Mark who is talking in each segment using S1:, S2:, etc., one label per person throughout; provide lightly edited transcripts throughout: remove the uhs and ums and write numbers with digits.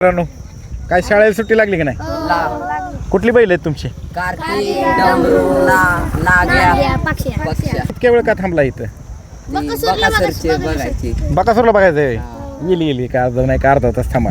S1: मित्रांनो, काय शाळेला सुट्टी लागली की नाही? कुठली बैल आहेत तुमची?
S2: कार्तिक, डमरू, नाग्या, पक्ष्या.
S1: इतक्या वेळ का थांबला इथं?
S2: बकासूरचे बघायचे.
S1: बकासूरला बघायचं आहे. येईल का अर्धा नाही का अर्धा तास थांबा.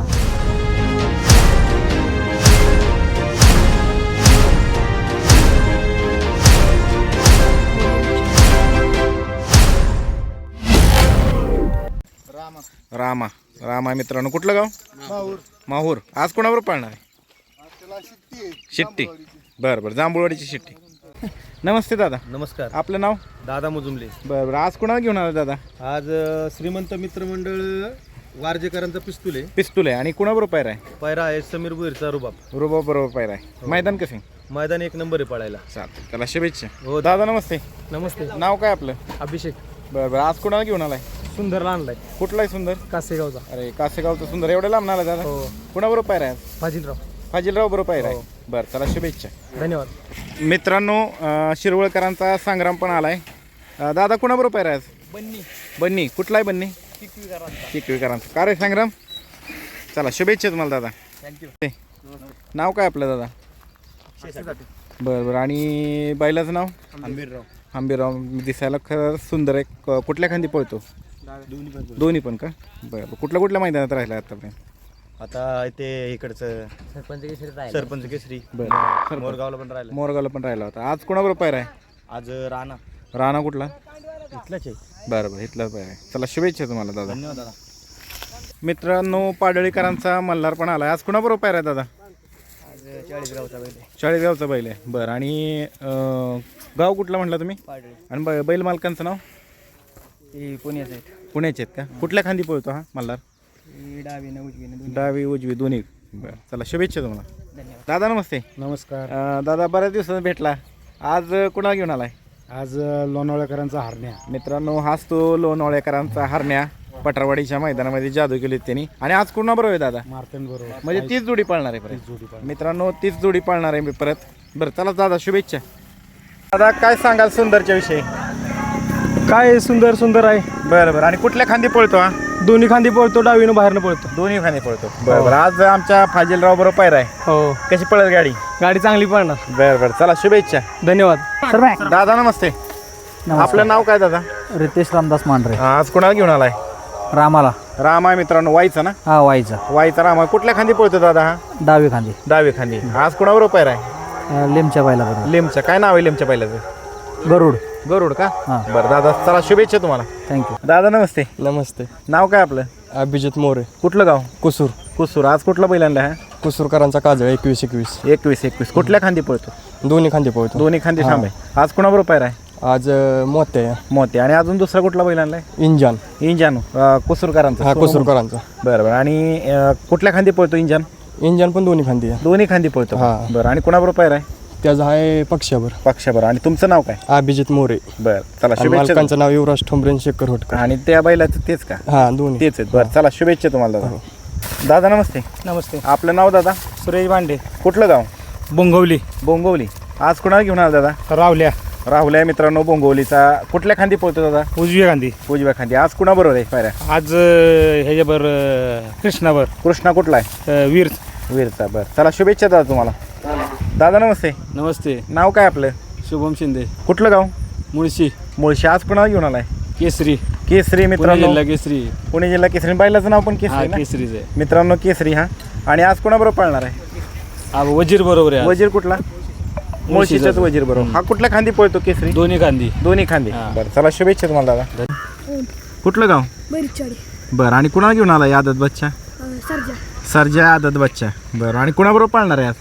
S1: रामा रामा मित्रांनो, कुठलं गाव? माहूर. आज कोणाबरोबर पाळणार आहे? शिट्टी. बरं बरं, जांभूळवाडीची शिट्टी. नमस्ते दादा.
S3: नमस्कार.
S1: आपलं नाव?
S3: दादा मुजुमले.
S1: बरं बरं, आज कोणाला घेऊन आला दादा?
S3: आज श्रीमंत मित्रमंडळ वारजेकरांचा पिस्तूल आहे.
S1: पिस्तूल आहे. आणि कुणाबरोबर पायरा आहे?
S3: पायरा आहे समीर बुईरचा रुबाब.
S1: रुबाब बरोबर पायरा आहे. मैदान कसे?
S3: मैदान एक नंबर आहे पळायला.
S1: चालतं, त्याला शुभेच्छा.
S3: हो
S1: दादा नमस्ते.
S3: नमस्ते.
S1: नाव काय आपलं?
S3: अभिषेक.
S1: बरं बरं, आज कोणाला घेऊन आलाय?
S3: सुंदरला आणलाय.
S1: कुठला आहे सुंदर?
S3: कासेगावचा.
S1: अरे कासेगावचं सुंदर एवढं लांब आला दादा?
S3: हो.
S1: कुणाबरोबर पायरा आहे?
S3: फाजिलराव.
S1: फाजिलराव बरोबर पायरा आहे.
S3: हो.
S1: बरं, त्याला शुभेच्छा.
S3: धन्यवाद.
S1: मित्रांनो, शिरवळकरांचा संग्राम पण आलाय. दादा कुणाबरोबर पायरा आहे?
S3: बन्नी.
S1: बन्नी. कुठला आहे बन्नी? चिकवीकरांचा. का रे संग्राम? चला, शुभेच्छा तुम्हाला दादा.
S3: थँक्यू.
S1: नाव काय आपलं दादा? बरं बरं. आणि बैलाचं नाव?
S3: आंबीरराव.
S1: आंबीराव. दिसायला खरं सुंदर आहे. कुठल्या खांदी पळतो? दोन्ही पण का? बरं. कुठल्या मैदानात राहिला आतापर्यंत?
S3: आता इथे इकडचं सरपंच केसरी.
S1: बरं.
S3: मोरगावला पण राहिलं.
S1: मोरगावला पण राहिला होता. आज कोणाबरोबर पायरा आहे?
S3: आज राणा.
S1: राणा कुठला?
S3: इथलाच आहे.
S1: बरं बरं, इथलाच पायरा आहे. चला, शुभेच्छा तुम्हाला दादा.
S3: धन्यवाद दादा.
S1: मित्रांनो, पाडळीकरांचा मल्हार पण आला. आज कोणाबरोबर पायरा आहे दादा?
S3: आज 40 गावचा बैल.
S1: 40 गावचा बैल आहे. बरं. आणि गाव कुठला म्हटलं तुम्ही? आणि बैल मालकांचं नाव?
S3: पुण्याचे आहेत.
S1: पुण्याचे आहेत का? कुठल्या खांदी पळतो हा मल्हार? डावी उजवी दोन्ही. बरं, चला, शुभेच्छा तुम्हाला. दादा नमस्ते.
S3: नमस्कार.
S1: दादा, बऱ्याच दिवसात भेटला. आज कुणाला घेऊन आलाय?
S3: आज लोणावळेकरांचा हरण्या.
S1: मित्रांनो, हाच तो लोणावळेकरांचा हरण्या. पटरवाडीच्या मैदानामध्ये जादू केली त्यांनी. आणि आज कुणाबरोबर आहे दादा?
S3: मार्तन बरोबर.
S1: म्हणजे तीच जोडी पाळणार आहे परत. मित्रांनो, तीच जोडी पाळणार आहे मी परत. बरं, चला दादा, शुभेच्छा. दादा, काय सांगाल सुंदरच्या विषयी?
S3: काय सुंदर आहे.
S1: बरं बरं. आणि कुठल्या खांदी पळतो हा?
S3: दोन्ही खांदी पळतो, डावीनं बाहेरनं पळतो.
S1: दोन्ही खांदी पळतो. बरं बरं. आज आमच्या फाजिलराव बरोबर पायरा आहे.
S3: हो.
S1: कशी पळेल गाडी?
S3: गाडी चांगली पळणार.
S1: बरं बरं, चला, शुभेच्छा.
S3: धन्यवाद.
S1: दादा नमस्ते. आपलं नाव काय दादा?
S4: रितेश रामदास मांढरे.
S1: आज कुणाला घेऊन आलाय?
S4: रामाला.
S1: राम आहे मित्रांनो, वाईचा ना?
S4: हा, वाईचा.
S1: वाईचा राम आहे. कुठल्या खांदी पळतो दादा हा?
S4: डावी खांदी.
S1: डावी खांदी. आज कुणाबरोबर पायरा आहे?
S4: लिमच्या बायला बरोबर.
S1: लिमचं. काय नाव आहे लिमच्या पहिल्याचं?
S4: गरुड.
S1: गरुड का?
S4: हां.
S1: बरं दादा, चला, शुभेच्छा तुम्हाला.
S4: थँक्यू.
S1: दादा नमस्ते.
S3: नमस्ते.
S1: नाव काय आपलं?
S3: अभिजित मोरे.
S1: कुठलं गाव?
S3: कुसूर.
S1: कुसूर. आज कुठला बैल आणला हा?
S3: कुसूरकरांचा काजळ 21-21.
S1: 21-21. कुठल्या खांदी पळतो?
S3: दोन्ही खांदी पळतो.
S1: दोन्ही खांदी थांबे. आज कुणाबरोबर पायरा आहे?
S3: आज मोते
S1: मोते. आणि अजून दुसरा कुठला बैल आणलाय?
S3: इंजन.
S1: इंजान. कुसूरकरांचा.
S3: हा, कुसूरकरांचा.
S1: बरं बरं. आणि कुठल्या खांदी पळतो इंजान?
S3: इंजन पण दोन्ही खांदी आहे.
S1: दोन्ही खांदी पळतो.
S3: हां.
S1: बरं. आणि कुणाबरोबर पायरा आहे?
S3: त्याचं आहे पक्षावर.
S1: पक्षाबरोबर. आणि तुमचं नाव काय?
S3: अभिजित मोरे.
S1: बरं, चला,
S3: आणि
S1: शुभेच्छा.
S3: मालकांचं नाव युवराज ठोंबरेन शेखर होटकर.
S1: आणि त्या बैलाचं तेच का?
S3: हा, दोन्ही
S1: तेच आहेत. बरं, चला, शुभेच्छा तुम्हाला दादा. दादा नमस्ते.
S3: नमस्ते.
S1: आपलं नाव दादा?
S3: सुरेश भांडे.
S1: कुठलं गाव?
S3: बोंगवली.
S1: बोंगवली. आज कुणाला घेऊन आला दादा?
S3: रावल्या.
S1: राहुल आहे मित्रांनो, बोंगवलीचा. कुठल्या खांदी पळतो दादा?
S3: उजव्या गांधी.
S1: उजव्या खांदी. आज कुणाबरोबर आहे पायऱ्या?
S3: आज ह्याच्यावर कृष्णावर.
S1: कृष्णा कुठला आहे?
S3: वीर.
S1: वीरचा. बरं, चला, शुभेच्छा दादा तुम्हाला. दादा नमस्ते.
S3: नमस्ते.
S1: नाव काय आपलं?
S3: शुभम शिंदे.
S1: कुठलं गाव?
S3: मुळशी.
S1: मुळशी. आज कुणाला घेऊन आलाय?
S3: केसरी.
S1: केसरी मित्रांनो.
S3: केसरी.
S1: पुणे जिल्हा केसरी. बैलाचं नाव पण केसरी ना?
S3: केसरीच आहे
S1: मित्रांनो, केसरी. हा. आणि आज कुणाबरोबर पळणार आहे?
S3: वजीर बरोबर आहे.
S1: वजीर कुठला? मुळशीचाच वजीर बरोबर. हा कुठल्या खांदी पळतो केसरी?
S3: दोन्ही गांधी.
S1: दोन्ही खांदी. बरं, चला, शुभेच्छा तुम्हाला दादा. कुठलं गाव? बरं. आणि कुणाला घेऊन आलाय आदत बच्चा? सरजा आदत बच्चा. बरं. आणि कुणाबरोबर पाळणार आहे आज?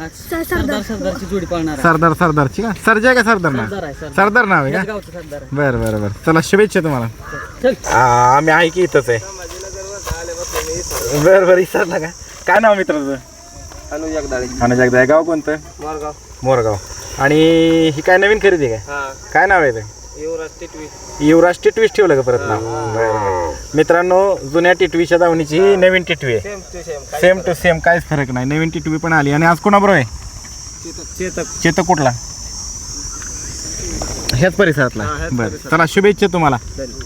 S2: सरदारची जोडी पाळणार.
S1: सरदारची का? सरजा आहे का सरदार नाव? सरदार नाव आहे का? बरं बरं बरं, चला, शुभेच्छा तुम्हाला. आम्ही आहे की इथंच आहे. बरं बरं, विसरला का? काय नाव मित्राचं? अनुज जगदाळे. गाव कोणतं? मोरगाव. आणि ही काय नवीन खरेदी काय? काय नाव आहे ते? युवराज टिटवीस ठेवलं का परत नाव? बरं. मित्रांनो, जुन्या टिटवीच्या दावणीची ही नवीन टिटवी आहे. सेम टू सेम, काहीच फरक नाही. नवीन टिटवी पण आली. आणि आज कोणाबरोबर आहे? चेतक कुठला? ह्याच परिसरातला. बरं, चला, शुभेच्छा तुम्हाला.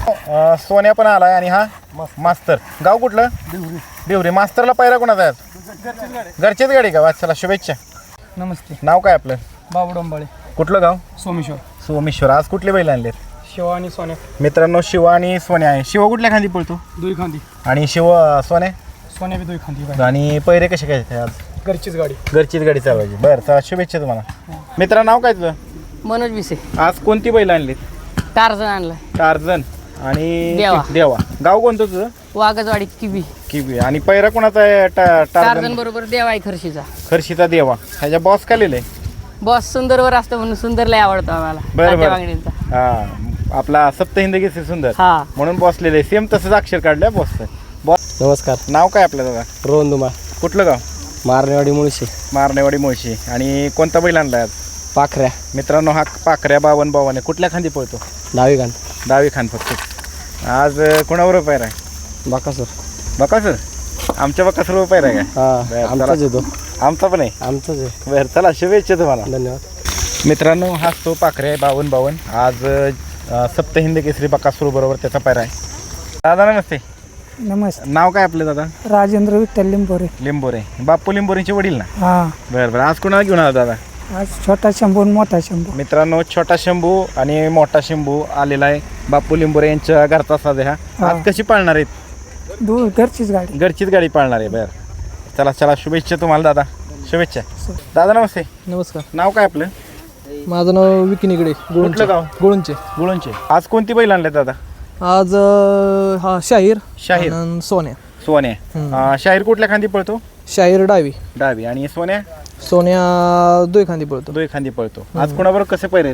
S1: सोन्या पण आलाय आणि हा मास्तर. गाव कुठलं? देवरी. मास्तरला पायरा कोणाचा आहे? घरचीच गाडी का? चला शुभेच्छा.
S5: नमस्ते.
S1: नाव काय आपलं?
S5: बाबू डोंबाळे.
S1: कुठलं गाव?
S5: सोमेश्वर.
S1: सोमेश्वर. आज कुठले बैल आणलेत?
S5: शिवा आणि सोन्या.
S1: मित्रांनो शिवा आणि सोन्या आहे. शिवा कुठल्या खांदी पळतो?
S5: दुई खांदी.
S1: आणि सोन्या
S5: सोन्या बी दुई खांदी. आज
S1: पैरे कसे काय आज?
S5: घरचीच गाडी.
S1: घरचीच गाडी चालवायची. बरं चला शुभेच्छा तुम्हाला. मित्रा नाव काय तुझं?
S2: मनोज विसे.
S1: आज कोणती बैल आणलीत?
S2: टार्झन आणलाय.
S1: टार्झन आणि
S2: देवा.
S1: देवा. गाव कोणतं तुझं?
S2: वाघजवाडी किबी.
S1: किबी. आणि पैरा कोणाचा आहे?
S2: टार्झन
S1: टार्झन
S2: बरोबर देवा आहे खर्शीचा.
S1: खर्शीचा देवा. ह्याच्या बॉस का लिहिलंय?
S2: बॉस सुंदरवर असतं म्हणून सुंदर लय आवडतो आम्हाला.
S1: बरं,
S2: तात्या
S1: बरं.
S2: वांगडींचा.
S1: हा आपला सप्तहिंद केसरी सुंदर
S2: हा.
S1: म्हणून बॉस लिहिलंय. सेम तसंच अक्षर काढलंय बॉसचं. बॉस
S5: नमस्कार.
S1: नाव काय आपलं दादा?
S5: रोहन दुमा.
S1: कुठलं गाव?
S5: मारणेवाडी मुळशी.
S1: मारणेवाडी मुळशी. आणि कोणता बैल आणलाय आज?
S5: पाखऱ्या.
S1: मित्रांनो हा पाखऱ्या 52 आहे. कुठल्या खांदी पळतो?
S5: डावी खान.
S1: डावी खान फक्त. आज कोणाबरोबर पैर आहे?
S5: बाकासूर.
S1: बकासूर. आमच्या बकासूर पैर आहे का?
S5: हा
S1: बरं,
S5: आमचाच येतो.
S1: आमचा पण आहे.
S5: आमचाच आहे.
S1: बरं चला शुभेच्छा तुम्हाला.
S5: धन्यवाद.
S1: मित्रांनो हा तो पाखरे 52 आज सप्तहिंद केसरी बकासूर बरोबर त्याचा पैर आहे. दादा नमस्ते.
S5: नमस्ते.
S1: नाव काय आपलं दादा?
S5: राजेंद्र विठ्ठल लिंबोरे.
S1: लिंबोरे. बाप्पू लिंबोरेंचे वडील ना?
S5: हा.
S1: बरं बरं. आज कोणाला घेऊन आला दादा?
S5: आज छोटा शंभू आणि मोठा शंभू.
S1: मित्रांनो छोटा शंभू आणि मोठा शंभू आलेला आहे. बाप्पू लिंबोरे यांच्या घरचा साज आहे हा. आज कशी पाळणार आहेत?
S5: घरचीच गाडी.
S1: घरचीच गाडी पाळणार आहे. बरं चला चला शुभेच्छा तुम्हाला दादा. शुभेच्छा. दादा नमस्ते.
S5: नमस्कार.
S1: नाव काय आपलं?
S5: माझं नाव विकिनीकडे.
S1: कुठलं गाव?
S5: गुळूंचे.
S1: गुळूंचे. आज कोणती बैल आणले दादा?
S5: आज हा शाहीर.
S1: शाहीर.
S5: आणि सोन्या.
S1: सोन्या. शाहीर कुठल्या खांदी पळतो?
S5: शाहीर डावी.
S1: डावी. आणि सोन्या?
S5: सोन्या दुई खांदी पळतो.
S1: दोन खांदी पळतो. आज कोणाबरोबर कसे पैर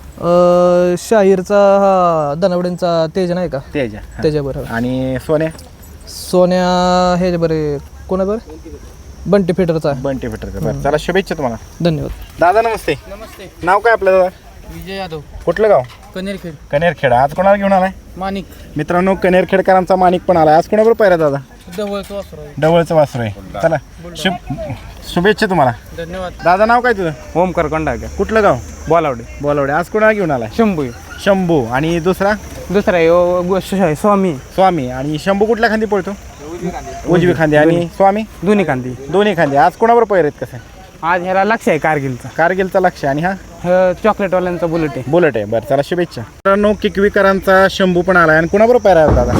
S1: आहेत?
S5: शाहीरचा हा धनवड्यांचा तेज नाही का?
S1: त्याच्या.
S5: त्याच्याबरोबर.
S1: आणि सोन्या?
S5: सोन्या हे बरे कोणा बरं? बंटी फिटरचा.
S1: बंटी फिटरचा. बरं चला शुभेच्छा तुम्हाला.
S5: धन्यवाद.
S1: दादा नमस्ते.
S2: नमस्ते.
S1: नाव काय आपलं दादा?
S2: विजय यादव.
S1: कुठलं गाव?
S2: कनेरखेड.
S1: कनेरखेड. आज कोणाला घेऊन आलाय?
S2: माणिक.
S1: मित्रांनो कनेरखेडकरांचा माणिक पण आलाय. आज कोणाबरोबर पैरा दादा? डवळचं वासरू आहे. चला शुभेच्छा तुम्हाला.
S2: धन्यवाद.
S1: दादा नाव काय तुझं?
S6: ओमकार कंडाळकर.
S1: कुठलं गाव?
S6: बोलावडे.
S1: बोलावडे. आज कोणाला घेऊन आलाय?
S6: शंभू.
S1: शंभू. आणि दुसरा?
S6: दुसरा आहे स्वामी.
S1: स्वामी. आणि शंभू कुठल्या खांदी पळतो? उजवी खांदी. आणि स्वामी?
S6: दोन्ही कांदी.
S1: दोन्ही खांदी. आज कोणाबरोबर पैर आहेत कसं?
S6: आज ह्याला लक्ष आहे कारगिलचा.
S1: कारगिलचा लक्ष. आणि हा
S6: चॉकलेटवाल्यांचा बुलेट आहे.
S1: बुलेट आहे. बरं चला शुभेच्छा. मित्रांनो किकवीकरांचा शंभू पण आलाय. आणि कोणाबरोबर पैर आहे दादा?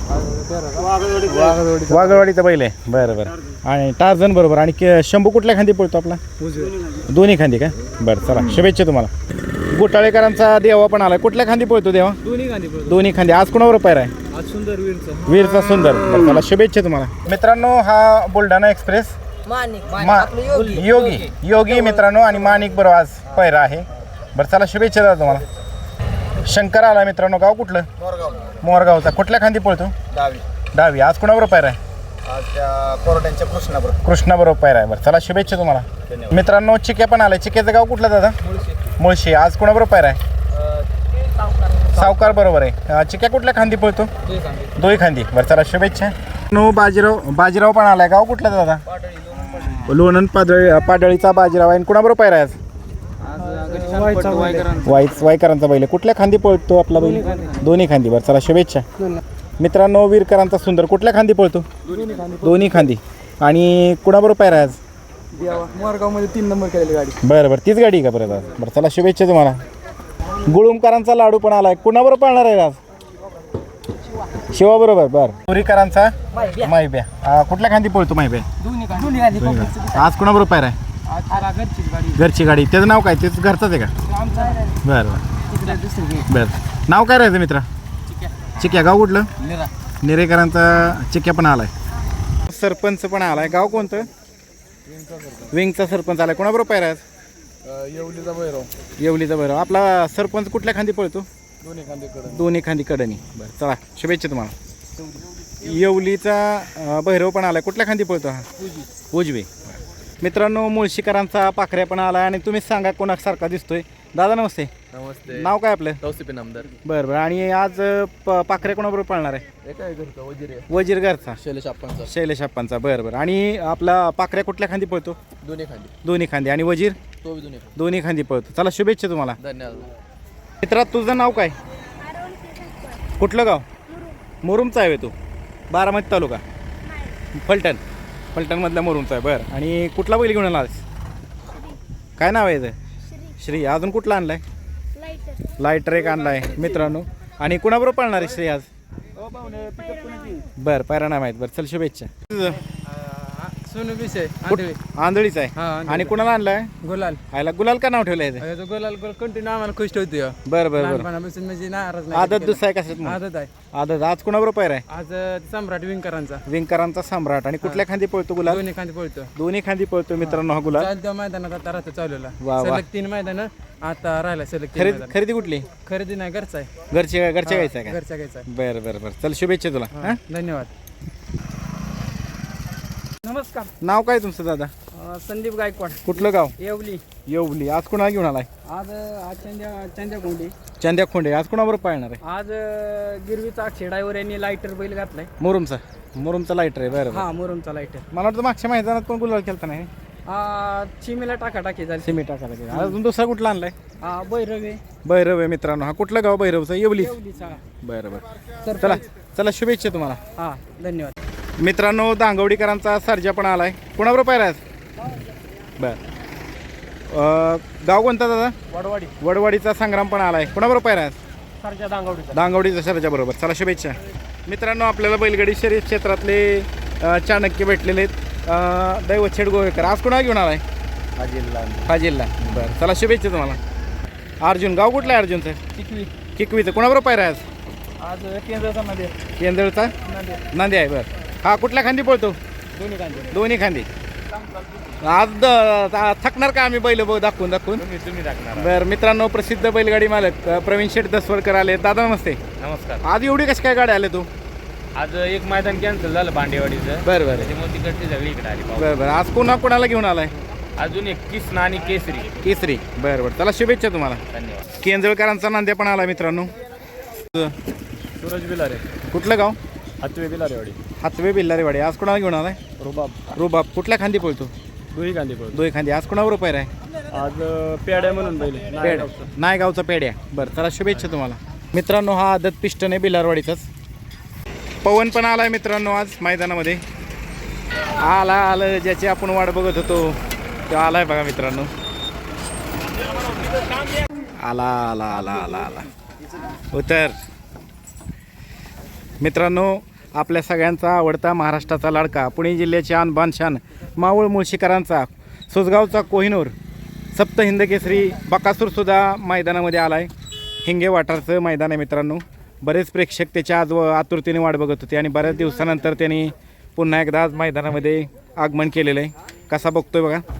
S1: वाघळवाडीचा बैल आहे. बरं बरं. आणि टार्झन बरोबर. आणि शंभू कुठल्या खांदी पळतो आपला? दोन्ही खांदी का? बरं चला शुभेच्छा तुम्हाला. घोटाळेकरांचा देवा पण आलाय. कुठल्या खांदी पळतो देवा? दोन्ही खांदी. आज कोणाबरोबर पैर आहे? वीरचा सुंदर. बरं चला शुभेच्छा तुम्हाला. मित्रांनो हा बुलढाणा एक्सप्रेस योगी मित्रांनो आणि माणिक बरोबर आज पैरा आहे. बरं चला शुभेच्छा दादा तुम्हाला. शंकर आला मित्रांनो. गाव कुठलं? मोरगावचा. कुठल्या खांदी पळतो? डावी. आज कोणाबरोबर पैरा आहे?
S3: कोरड्यांच्या
S1: कृष्णाबरोबर पैरा आहे. बरं चला शुभेच्छा तुम्हाला. मित्रांनो चिक्या पण आलाय. चिक्याचं गाव कुठलं दादा? मुळशी. आज कोणाबरोबर पैरा आहे? सावकार बरोबर आहे. चिक्या कुठल्या खांदी पळतो? दोही खांदी. बरं चला शुभेच्छा. नो बाजीराव पण आलाय. गाव कुठलं दादा? लोणंद पाडळीचा बाजीराव आहे. आणि कुणाबरोबर पैरा आहे आज? वाईकरांचा बैल. कुठल्या खांदी पळतो आपला बैल? दोन्ही खांदी. बरं चला शुभेच्छा. मित्रांनो वीरकरांचा सुंदर कुठल्या खांदी पळतो? दोन्ही खांदी. आणि कुणाबरोबर पैरा आहे आज?
S5: मोरगावमध्ये 3 नंबर केलेली गाडी.
S1: बरं बरं तीच गाडी का परत आज? बरं चला शुभेच्छा तुम्हाला. गुळुमकरांचा लाडू पण आलाय. कुणाबरोबर पाळणार आहे आज? शिवा बरोबर. बरं. पुरीकरांचा माहिब्या. कुठल्या खांदी पळतो माहिब्या? आज कुणाबरोबर पैरा आहे? घरची गाडी. त्याचं नाव काय? तेच घरचंच आहे का? बरं बरं. बरं नाव काय राहायचं मित्रा? चिक्या. गाव कुठलं? निरेकरांचा चिक्या पण आलाय. सरपंच पण आलाय. गाव कोणतं? विंगचा सरपंच आलाय. कोणाबरोबर पैरा आहे? येवलीचा भैरव. आपला सरपंच कुठल्या खांदी पळतो? दोन्ही खांदी कडनी. बरं चला शुभेच्छा तुम्हाला. येवलीचा भैरव पण आलाय. कुठल्या खांदी पळतो हा? उजवी. मित्रांनो मुळशीकरांचा पाखऱ्या पण आलाय. आणि तुम्हीच सांगा कोणासारखा दिसतोय. दादा नमस्ते.
S7: नमस्ते.
S1: नाव काय आपलं?
S7: तौसिफे नामदार.
S1: बरं बरं. आणि आज पाखऱ्या कोणाबरोबर पाळणार आहे? वजीर घरचा. शैलेश आप्पांचा. बरं बरं. आणि आपला पाखऱ्या कुठल्या खांदी पळतो? दोन्ही खांदी. आणि वजीर? दोन्ही खांदी पळतो. चला शुभेच्छा तुम्हाला.
S7: धन्यवाद.
S1: मित्रा तुझं नाव काय? कुठलं गाव मुरुमचा आहे तू बारामती तालुका फलटणमधल्या मुरुमचा आहे बरं. आणि कुठला बैल घेऊन आलास काय नाव आहे याचं श्री. अजून कुठला आणलाय लायटर एक आणलाय मित्रांनो. आणि कुणाबरोबर पळणार आहे श्री आज बरं पायरा नाही माहीत बरं चल शुभेच्छा.
S5: सोनू विषय
S1: आंधळीचा आहे आणि कुणाला आणलाय
S5: गुलाल
S1: आयला गुलाल का नाव ठेवलं आहे
S5: गुलाल कंटिन्यू आम्हाला खुश ठेवतोय
S1: बरं बरं बरं.
S5: लहानपणापासून म्हणजे नाराज
S1: आदत दुसरा आहे कशात मग?
S5: आदत आहे
S1: आदत आज कुणाबरोबर पायरा आहे
S5: आज सम्राट विंकरांचा
S1: विंकरांचा सम्राट. आणि कुठल्या खांदी पळतो गुलाल
S5: दोन्ही खांदी पळतो
S1: दोन्ही खांदी पळतो मित्रांनो हा गुलाल.
S5: चालत्या मैदानात आता राहतो चालवला
S1: वा.
S5: सलग 3 मैदान आता राहिला सलग 3 मैदान.
S1: खरेदी कुठली
S5: खरेदी नाही घरचा आहे
S1: घरच्या घ्यायचं आहे
S5: घरचा घ्यायचा
S1: का बरं बरं बरं चल शुभेच्छा तुला हां.
S5: धन्यवाद.
S2: नमस्कार.
S1: नाव काय तुमचं दादा
S2: संदीप गायकवाड
S1: कुठलं गाव
S2: येवली.
S1: येवली. आज कुणाला घेऊन आलाय
S2: आज चंद्या कोंडी.
S1: चंद्या खोंडे. आज कुणाबरोबर पाळणार आहे
S2: आज गिरवीचा खेडावर यांनी लायटर बैल घातलाय.
S1: मुरुमचा लायटर आहे बरं बरं.
S2: हा मुरुमचा लायटर.
S1: मला वाटतं मागच्या मैदानात पण गुलाल केलता नाही
S2: चिमीला टाकाटाकी झाली.
S1: सिमी टाकायला गेला. अजून दुसरा कुठला आणलाय
S2: बैरवे.
S1: भैरव आहे मित्रांनो. हा कुठलं गाव भैरवचं येवली
S2: येवलीचा.
S1: बरं बरं चला चला शुभेच्छा तुम्हाला.
S2: हा धन्यवाद.
S1: मित्रांनो दांगवडीकरांचा सर्जा पण आलाय. कुणाबरोबर पाहिला आज बर. गाव कोणता दादा वडवाडीचा संग्राम पण आलाय. कुणाबरोबर पाहिला आज
S2: सरच्या दांगवडीचा.
S1: दांगवडीचा सर्जा बरोबर. चला शुभेच्छा. मित्रांनो आपल्याला बैलगाडी शर्यत क्षेत्रातले चाणक्य भेटलेले आहेत दैवत गोवेकर. आज कुणाला घेऊन आलाय फाजिलला बरं. चला शुभेच्छा तुम्हाला. अर्जुन. गाव कुठलं आहे अर्जुनचं किकवीचं. कुणाबरोबर पाहिला आज
S2: आज केंद्राचा मध्ये
S1: केंदळचा नांदे आहे बरं. हा कुठल्या खांदी पळतो दोन्ही खांदी. आज थकणार का आम्ही बैल दाखवून
S3: तुम्ही टाकणार.
S1: बरं. मित्रांनो प्रसिद्ध बैलगाडी मालक प्रवीण शेठ दसवडकर आले. दादा नमस्ते.
S3: नमस्कार.
S1: आज एवढी कशी काय गाडी आले तू
S3: आज एक मैदान कॅन्सल झालं भांडेवाडीचं.
S1: बरं बरं
S3: त्याच्यामुळे तिकडची सगळी इकडे आली.
S1: बरं बरं. आज कोणाला घेऊन आलाय
S3: अजून एक किसना आणि केसरी.
S1: केसरी. बरं बरं चला शुभेच्छा तुम्हाला.
S3: धन्यवाद.
S1: केंजळकरांचा नांद्या पण आला मित्रांनो.
S3: सूरज बिलारे
S1: कुठलं गाव
S3: हातवे बिलारेवाडी.
S1: हातवे बिल्लारेवाडी. आज कोणाला घेऊन आलाय रुबाब. कुठल्या खांदी पळतो
S3: दुही गांधी पळतो.
S1: दोही खांदी. आज कोणाबरोबर पायरा आहे
S3: आज पेड्या म्हणून बैल
S1: पेड्या नायगावचा पेड्या. बरं चला शुभेच्छा तुम्हाला. मित्रांनो हा आदत पिस्टन आहे बिलारवाडीचाच. पवन पण आलाय मित्रांनो आज मैदानामध्ये. आलं ज्याची आपण वाट बघत होतो तो आलाय बघा मित्रांनो. आला उतर. मित्रांनो आपल्या सगळ्यांचा आवडता महाराष्ट्राचा लाडका पुणे जिल्ह्याचे आन बानशान मावळ मुळशीकरांचा सोसगावचा कोहिनूर सप्त हिंद केसरी बकासूरसुद्धा मैदानामध्ये आला आहे. हिंगे वाटारचं मैदान आहे मित्रांनो. बरेच प्रेक्षक त्याच्या आज आतुरतेने वाट बघत होते आणि बऱ्याच दिवसानंतर त्यांनी पुन्हा एकदा आज मैदानामध्ये आगमन केलेलं आहे. कसा बघतोय बघा.